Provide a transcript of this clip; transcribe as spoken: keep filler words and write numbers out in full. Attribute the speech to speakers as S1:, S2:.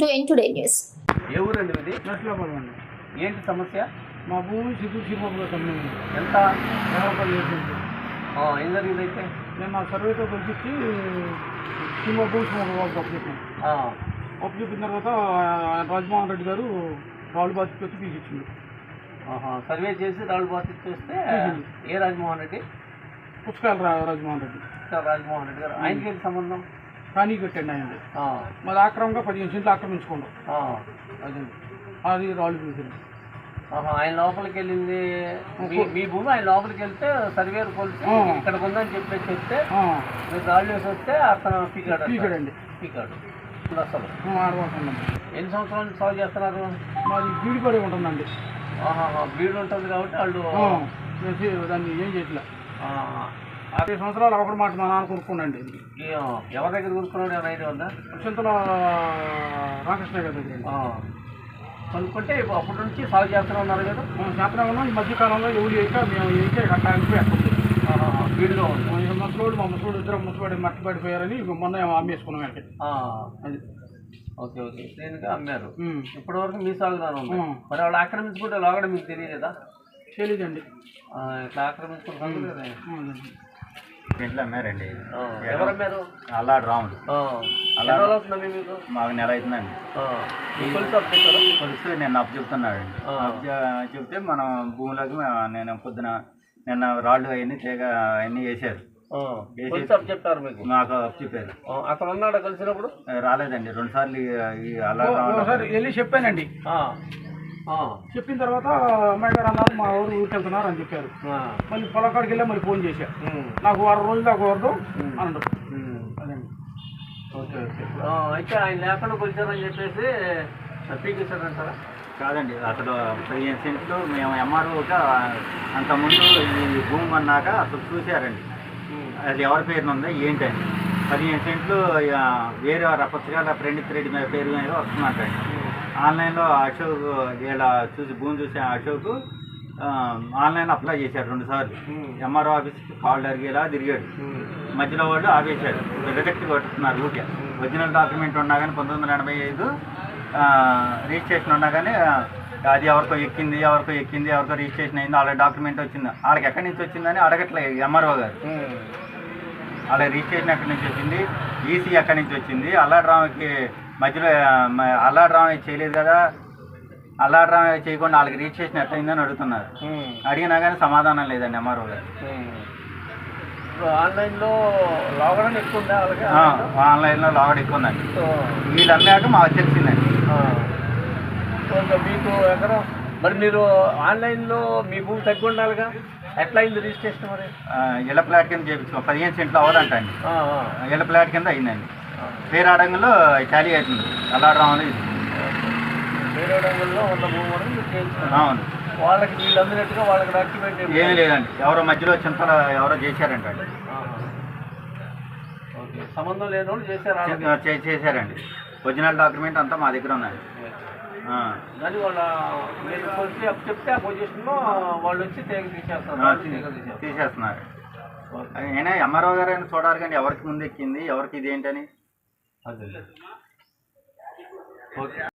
S1: ఎన్ today news.
S2: ఏ ఊరండి ఇది?
S3: నర్సులాబాద్ అండి.
S2: ఏంటి సమస్య?
S3: మా భూమి సిద్ధు సినిమాలో కంపెనీ
S2: ఎంత?
S3: డెవలపర్ చేసింది.
S2: ఏం జరిగింది అయితే?
S3: నేను నా సర్వేతో పిలిపించి సినిమా భూమి సినిమా అప్పు చెప్పాను. అప్పు చెప్పిన తర్వాత రాజమోహన్ రెడ్డి గారు రాళ్ళు బాధ్యత పెట్టి తీసిచ్చింది.
S2: సర్వే చేసి రాళ్ళు బాధ్యత చేస్తే ఏ రాజమోహన్ రెడ్డి?
S3: పుస్తకాలు రా రాజమోహన్ రెడ్డి
S2: రాజమోహన్ రెడ్డి గారు. ఆయనకి ఏంటి సంబంధం?
S3: కానీ కట్టండి అయింది. మళ్ళీ ఆక్రమంగా పదిహేను సెంట్లు ఆక్రమించుకోండి. అది అది రాళ్ళు తీసింది.
S2: ఆయన లోపలికి వెళ్ళింది మీ భూమి. ఆయన లోపలికి వెళ్తే సర్వేరు కొలిసి ఇక్కడ ఉందని చెప్పేసి చెప్తే మీరు రాళ్ళు వేసి వస్తే అతను పీకాడు
S3: పీకాడండి
S2: పీకాడు అసలు
S3: ఆడబోతున్నాం.
S2: ఎన్ని సంవత్సరాల నుంచి సాగు చేస్తున్నారు?
S3: మాది బీడి పడి ఉంటుందండి.
S2: బీడు ఉంటుంది కాబట్టి వాళ్ళు
S3: దాన్ని ఏం చేయట్లే. యాభై సంవత్సరాలు ఒకటి మాట మా నాన్న కొనుక్కోండి.
S2: ఎవరి దగ్గర కొనుక్కున్నాడు? ఏమైనా ఐడియా ఉందా?
S3: చింతల రామకృష్ణ గారి దగ్గర
S2: కొనుక్కుంటే అప్పటి నుంచి సాగు చేస్తూనే ఉన్నారు కదా?
S3: చేస్తూనే ఉన్నాం. ఈ మధ్యకాలంలో ఎవరు వేయక మేము వేయక కట్టడానికి ఎక్కడుంది
S2: వీడిలో ఉంది.
S3: ముసలోడు మా ముసలోడు ఇద్దరు ముసపడి మట్టి పడిపోయారని మొన్న అమ్మేసుకున్నాం వెనక్కి. అది
S2: ఓకే ఓకే దేనికి అమ్మారు? ఇప్పటి వరకు మీ సాగుదాను ఉంది. మరి వాళ్ళు ఆక్రమించుకుంటే లోగడ మీకు తెలియదా?
S3: తెలీదండి.
S2: ఇట్లా ఆక్రమించుకుంటే
S4: ఇంట్లో అమ్మారండి.
S2: ఎవరు అమ్మారు?
S4: అల్లాడు రాముడు.
S2: అలా అవుతుందండి మీకు?
S4: మాకు నెల అవుతుందండి. కొలుసు నేను అప్పు చెప్తున్నాడు. అప్పు చెప్తే మనం భూమిలోకి నేను పొద్దున నిన్న రాళ్ళు అవన్నీ తీగ అవన్నీ వేసారు.
S2: చెప్తారు మీకు?
S4: మాకు అప్పు చెప్పారు.
S2: అతను ఉన్నాడు కలిసినప్పుడు?
S4: రాలేదండి. రెండు సార్లు ఈ అల్లాడు రాముడు
S3: వెళ్ళి చెప్పానండి. చెప్పిన తర్వాత అమ్మాయి గారు అన్నారు మా ఊరు ఊరికి వెళ్తున్నారు అని చెప్పారు. మళ్ళీ పొలకాడికి వెళ్ళా మళ్ళీ ఫోన్ చేశా. నాకు వారం రోజులు దాకా వరదు అన్నాడు. అదండి.
S2: Okay okay. అయితే ఆయన లేకుండా కొలిచారని చెప్పేసి పీకేశారంటారా?
S4: కాదండి. అసలు పదిహేను సెంట్లు మేము ఎంఆర్ఓగా అంతకుముందు ఈ భూమి అన్నాక అసలు చూశారండి. అది ఎవరి పేరున ఉందో ఏంటండి. పదిహేను సెంట్లు వేరే పుస్తకాల ప్రణీత్ రెడ్డి మీద పేరు మీద వస్తున్నట్టండి. ఆన్లైన్లో అశోక్ ఇలా చూసి భూమి చూసి అశోక్ ఆన్లైన్ అప్లై చేశారు రెండు సార్లు. ఎంఆర్ఓ ఆఫీస్కి కాల్ అడిగేలా తిరిగాడు. మధ్యలో వాళ్ళు ఆపేశారు. రిజెక్ట్ కొట్టుతున్నారు ఊకే. ఒరిజినల్ డాక్యుమెంట్ ఉన్నా కానీ పంతొమ్మిది వందల ఎనభై ఐదు రిజిస్ట్రేషన్ ఉన్నా కానీ అది ఎవరికో ఎక్కింది ఎవరికో ఎక్కింది ఎవరికో రిజిస్ట్రేషన్ అయింది. వాళ్ళ డాక్యుమెంట్ వచ్చింది. వాళ్ళకి ఎక్కడి నుంచి వచ్చిందని అడగట్లేదు ఎంఆర్ఓ గారు. వాళ్ళ రిజిస్ట్రేషన్ ఎక్కడి నుంచి వచ్చింది, ఈసీ ఎక్కడి నుంచి వచ్చింది, అల్లాడు రామకి మధ్యలో అల్లాడు రామయ్య చేయలేదు కదా, అల్లాడు రామయ్య చేయకుండా వాళ్ళకి రిజిస్ట్రేషన్ ఎట్లయిందని అడుగుతున్నారు. అడిగినా కానీ సమాధానం లేదండి ఎంఆర్ఓ గారు.
S2: ఆన్లైన్లో లాగడం ఎక్కువ ఉందా?
S4: ఆన్లైన్లో లాగడం ఎక్కువ ఉందండి. వీళ్ళు అమ్మాక మాకు తెలిసిందండి.
S2: మీకు ఎకరం మరి మీరు ఆన్లైన్లో మీ భూమి తగ్గి ఉండాలిగా, ఎట్లా అయింది రిజిస్ట్రేషన్? మరి
S4: ఇళ్ళ ప్లాట్ కింద చేయించుకో పదిహేను సెంట్లు అవ్వదంటండి. ఇళ్ళ ప్లాట్ కింద అయిందండి. పేరాడంగులో ఖాళీ అవుతుంది అల్లాడు రాములు. ఇది
S2: పేరాడంగుల్లో ఉన్న భూమి వరకు మీరు చేయించుకున్నారు.
S4: అవును.
S2: వాళ్ళకి వీళ్ళు అందినట్టుగా వాళ్ళకి డాక్యుమెంట్
S4: ఏమీ లేదండి. ఎవరో మధ్యలో చింతలు ఎవరో చేశారంటండి.
S2: ఓకే. సంబంధం లేని వాళ్ళు చేశారు
S4: చేశారండి. ఒరిజినల్ డాక్యుమెంట్ అంతా మా దగ్గర ఉందండి.
S2: కానీ వాళ్ళ మీరు వచ్చి అప్పు చెప్తే ఆ పొజిషన్లో వాళ్ళు వచ్చి తీగ తీసేస్తున్నారు
S4: తీసేస్తున్నారు అయినా ఎంఆర్ఓ గారు అయినా చూడాలి కానీ ఎవరికి ముందు ఎక్కింది ఎవరికి ఇదేంటని.
S2: అదే ఓకే.